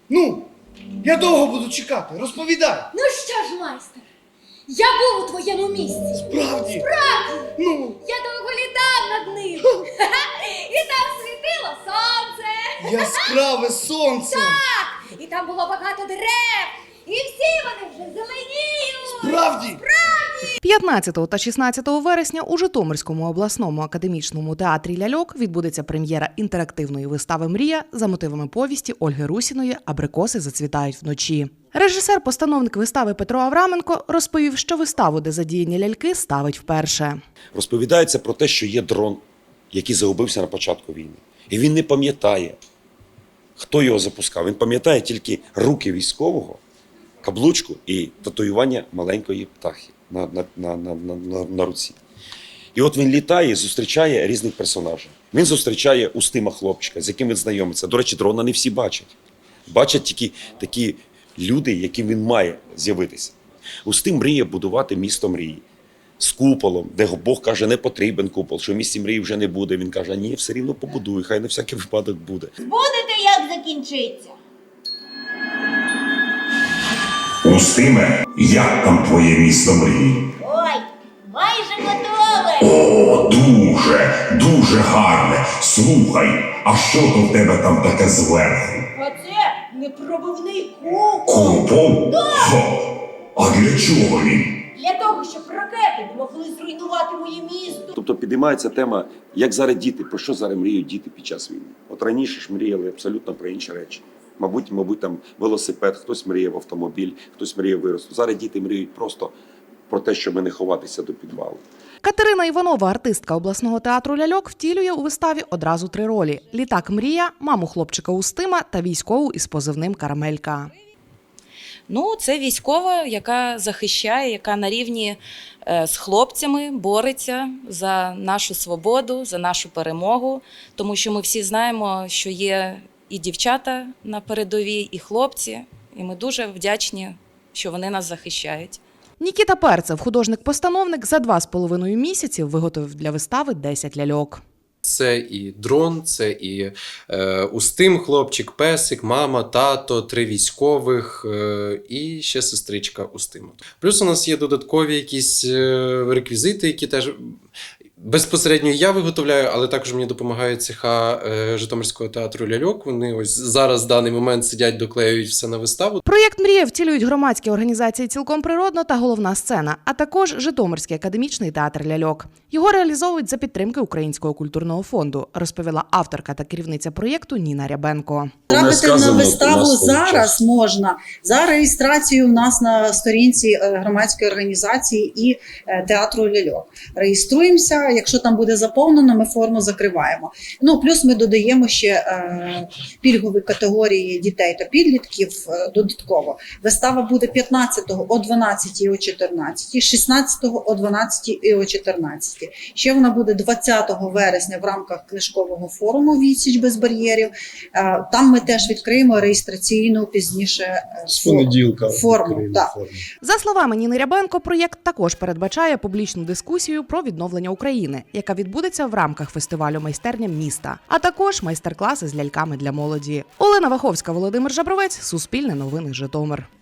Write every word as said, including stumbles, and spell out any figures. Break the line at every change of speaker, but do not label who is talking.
Ну, я довго буду чекати, розповідай.
Ну що ж, майстер, я був у твоєму місці.
Справді?
Справді!
Ну,
Я довго літав над ним. І там світило сонце.
яскраве сонце.
Так, і там було багато дерев. І всі вони вже зеленіють.
Справді?
п'ятнадцятого та шістнадцятого вересня у Житомирському обласному академічному театрі «Ляльок» відбудеться прем'єра інтерактивної вистави «Мрія» за мотивами повісті Ольги Русіної «Абрикоси зацвітають вночі». Режисер-постановник вистави Петро Авраменко розповів, що виставу, де задіяні ляльки, ставить вперше.
Розповідається про те, що є дрон, який загубився на початку війни. І він не пам'ятає, хто його запускав. Він пам'ятає тільки руки військового, каблучку і татуювання маленької птахи на, на, на, на, на, на руці. І от він літає і зустрічає різних персонажів. Він зустрічає Устима хлопчика, з яким він знайомиться. До речі, дрона не всі бачать. Бачать тільки такі люди, яким він має з'явитися. Устим мріє будувати місто мрії з куполом, де Бог каже, не потрібен купол, що в місті мрії вже не буде. Він каже, ні, все рівно побудуй, хай на всякий випадок буде.
Будете, як закінчиться?
Устиме, як там твоє місто мрії?
Ой, майже готове.
О, дуже, дуже гарне. Слухай, а що то в тебе там таке зверху?
А це непробивний купол.
Купол? Хо, а для чого він?
Для того, щоб ракети не могли зруйнувати моє місто.
Тобто підіймається тема, як зараз діти, про що зараз мріють діти під час війни. От раніше ж мріяли абсолютно про інші речі. Мабуть, мабуть, там велосипед, хтось мріяв автомобіль, хтось мріяв виросту. Зараз діти мріють просто про те, щоб не ховатися до підвалу.
Катерина Іванова, артистка обласного театру «Ляльок», втілює у виставі одразу три ролі – літак-мрія, маму хлопчика Устима та військову із позивним «Карамелька».
Ну, це військова, яка захищає, яка на рівні з хлопцями бореться за нашу свободу, за нашу перемогу. Тому що ми всі знаємо, що є і дівчата на передовій, і хлопці. І ми дуже вдячні, що вони нас захищають.
Нікіта Перцев, художник-постановник, за два з половиною місяці виготовив для вистави десять ляльок.
Це і дрон, це і е, Устим хлопчик, песик, мама, тато, три військових е, і ще сестричка Устима. Плюс у нас є додаткові якісь е, реквізити, які теж безпосередньо я виготовляю, але також мені допомагають цеха е, Житомирського театру «Ляльок». Вони ось зараз в даний момент сидять, доклеюють все на виставу.
Проєкт «Мрія» втілюють громадські організації «Цілком природно» та «Головна сцена», а також Житомирський академічний театр «Ляльок». Його реалізовують за підтримки Українського культурного фонду, розповіла авторка та керівниця проєкту Ніна Рябенко.
Трапити на виставу зараз можна за реєстрацією у нас на сторінці громадської організації і театру «Ляльок». Реєструємося, якщо там буде заповнено, ми форму закриваємо. Ну, плюс ми додаємо ще е, пільгові категорії дітей та підлітків е, додатково. Вистава буде п'ятнадцятого о дванадцятій і о чотирнадцятій, шістнадцятого о дванадцятій і о чотирнадцятій. Ще вона буде двадцятого вересня в рамках книжкового форуму «Відсіч без бар'єрів». Е, там ми теж відкриємо реєстраційну пізніше е,
з понеділка
форму. Да.
За словами Ніни Рябенко, проєкт також передбачає публічну дискусію про відновлення України, яка відбудеться в рамках фестивалю «Майстерня міста», а також майстер-класи з ляльками для молоді. Олена Ваховська, Володимир Жабровець, Суспільне новини, Житомир.